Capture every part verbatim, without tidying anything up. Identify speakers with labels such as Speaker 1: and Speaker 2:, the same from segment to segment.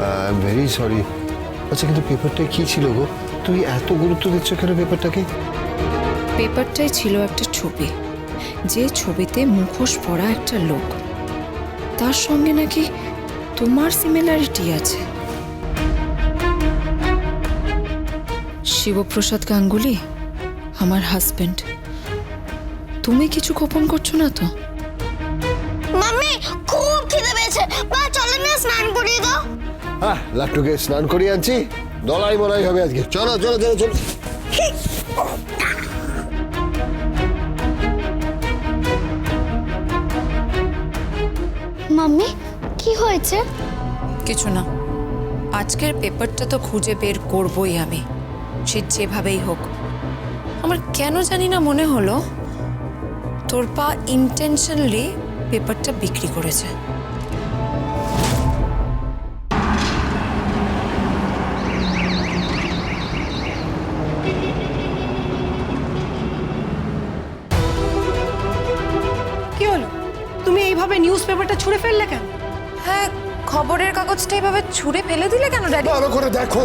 Speaker 1: I am very sorry. আচ্ছা, কিন্তু পেপারটা কি ছিল গো? তুই এত গুরুত্ব দিচ্ছ কেন পেপারটাকে?
Speaker 2: পেপারটাই ছিল একটা ছবি, যে ছবিতে মুখোশ পরা একটা লোক, তার সঙ্গে নাকি তোমার সিমিলারিটি আছে। শিবপ্রসাদ গাঙ্গুলি আমার হাজবেন্ড। তুমি কিছু গোপন করছো না তো?
Speaker 3: মাম্মি খুব খিদে পেয়েছে, মা চলো না স্নান করিয়ে দাও।
Speaker 1: হ্যাঁ, লাট্টুকে স্নান করিয়ে আনছি, দলাই মলাই হবে আজকে। চলো চলো চলো চলো।
Speaker 3: মাম্মি কি হয়েছে?
Speaker 2: কিছু না, আজকের পেপারটা তো খুঁজে বের করবই আমি, সে যেভাবেই হোক। আমার কেন জানি না মনে হলো তোর পা ইন্টেনশনালি পেপারটা বিক্রি করেছে।
Speaker 4: কি হলো? তুমি এইভাবে নিউজ পেপারটা ছুঁড়ে ফেললে কেন?
Speaker 2: হ্যাঁ, খবরের কাগজটা এভাবে ছুঁড়ে ফেলে দিলে কেন ড্যাডি?
Speaker 1: ভালো করে দেখো।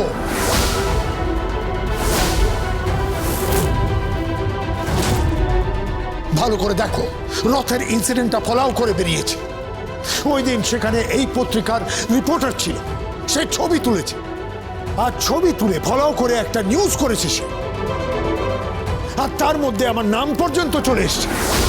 Speaker 5: ভালো করে দেখো, রথের ইনসিডেন্টটা ফলাও করে বেরিয়েছে। ওই দিন সেখানে এই পত্রিকার রিপোর্টার ছিল, সে ছবি তুলেছে, আর ছবি তুলে ফলাও করে একটা নিউজ করেছে সে, আর তার মধ্যে আমার নাম পর্যন্ত চলে এসছে।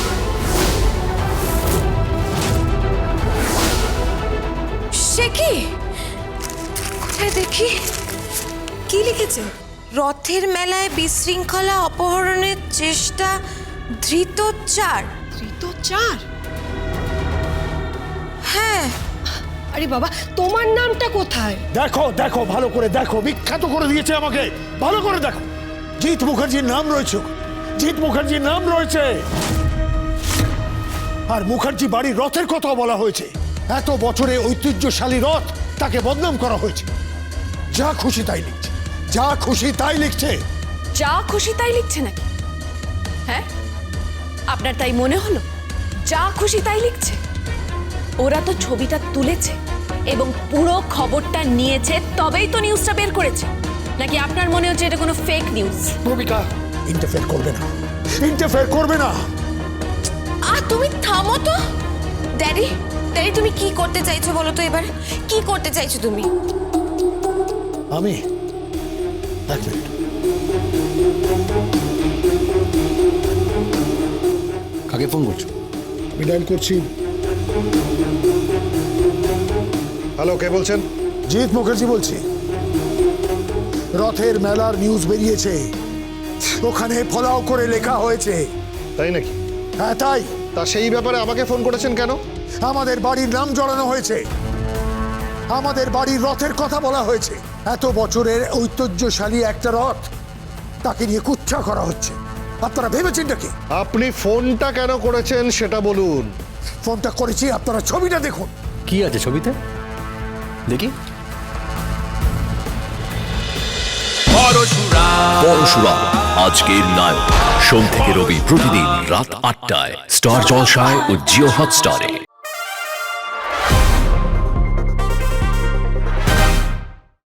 Speaker 2: সে কি? কোথায় দেখি, কি লিখেছে? রথের মেলায় বিশৃঙ্খলা, অপহরণের চেষ্টা, ধৃত চার।
Speaker 4: ধৃত চার?
Speaker 2: হ্যাঁ।
Speaker 4: আরে বাবা, তোমার নামটা কোথায়?
Speaker 5: দেখো দেখো, ভালো করে দেখো, বিখ্যাত করে দিয়েছে আমাকে। ভালো করে দেখো, জিৎ মুখার্জির নাম রয়েছে, জিৎ মুখার্জির নাম রয়েছে, আর মুখার্জি বাড়ির রথের কথাও বলা হয়েছে। এত বছরে ঐতিহ্যশালী রথ, তাকে বদনাম করা হয়েছে। যা খুশি তাই লিখছে, যা খুশি তাই লিখছে।
Speaker 6: যা খুশি তাই লিখছে নাকি? হ্যাঁ, আপনার তাই মনে হলো? যা খুশি তাই লিখছে? ওরা তো ছবিটা তুলেছে এবং পুরো খবরটা নিয়েছে, তবেই তো নিউজটা বের করেছে। নাকি আপনার মনে হচ্ছে এটা কোনো ফেক নিউজ?
Speaker 5: ভূমিকা ইন্টারফেয়ার করবে না, ইন্টারফেয়ার করবে না।
Speaker 6: আহ তুমি থামো তো। ড্যাডি, ড্যাডি তুমি কি করতে চাইছো বলো তো? এবার কি করতে চাইছো তুমি?
Speaker 5: আমি এক মিনিট।
Speaker 1: কাকে ফোন করছো?
Speaker 5: আমি ডায়াল করছি।
Speaker 1: হ্যালো, কে বলছেন?
Speaker 5: জিৎ মুখার্জি বলছি। রথের মেলার নিউজ বেরিয়েছে, ওখানে ফলাও করে লেখা হয়েছে।
Speaker 1: তাই নাকি?
Speaker 5: হ্যাঁ তাই।
Speaker 1: তা সেই ব্যাপারে আমাকে ফোন করেছেন কেন?
Speaker 5: আমাদের বাড়ির নাম জড়ানো হয়েছে, আমাদের বাড়ির রথের কথা বলা হয়েছে। এত বছরের ঐতিহ্যশালী একটা রথ, তাকে নিয়ে কুচ্ছা করা হচ্ছে। আপনারা ভেবেছেনটা কি?
Speaker 1: আপনি ফোনটা কেন করেছেন সেটা বলুন।
Speaker 5: ফোনটা করেছি, আপনারা ছবিটা দেখুন।
Speaker 7: কি আছে ছবিতে দেখি?
Speaker 8: পরশুরাম আজকের নায়ক, সোম থেকে রবি প্রতিদিন রাত আটটায় স্টার জলসায় ও জিও হটস্টারে।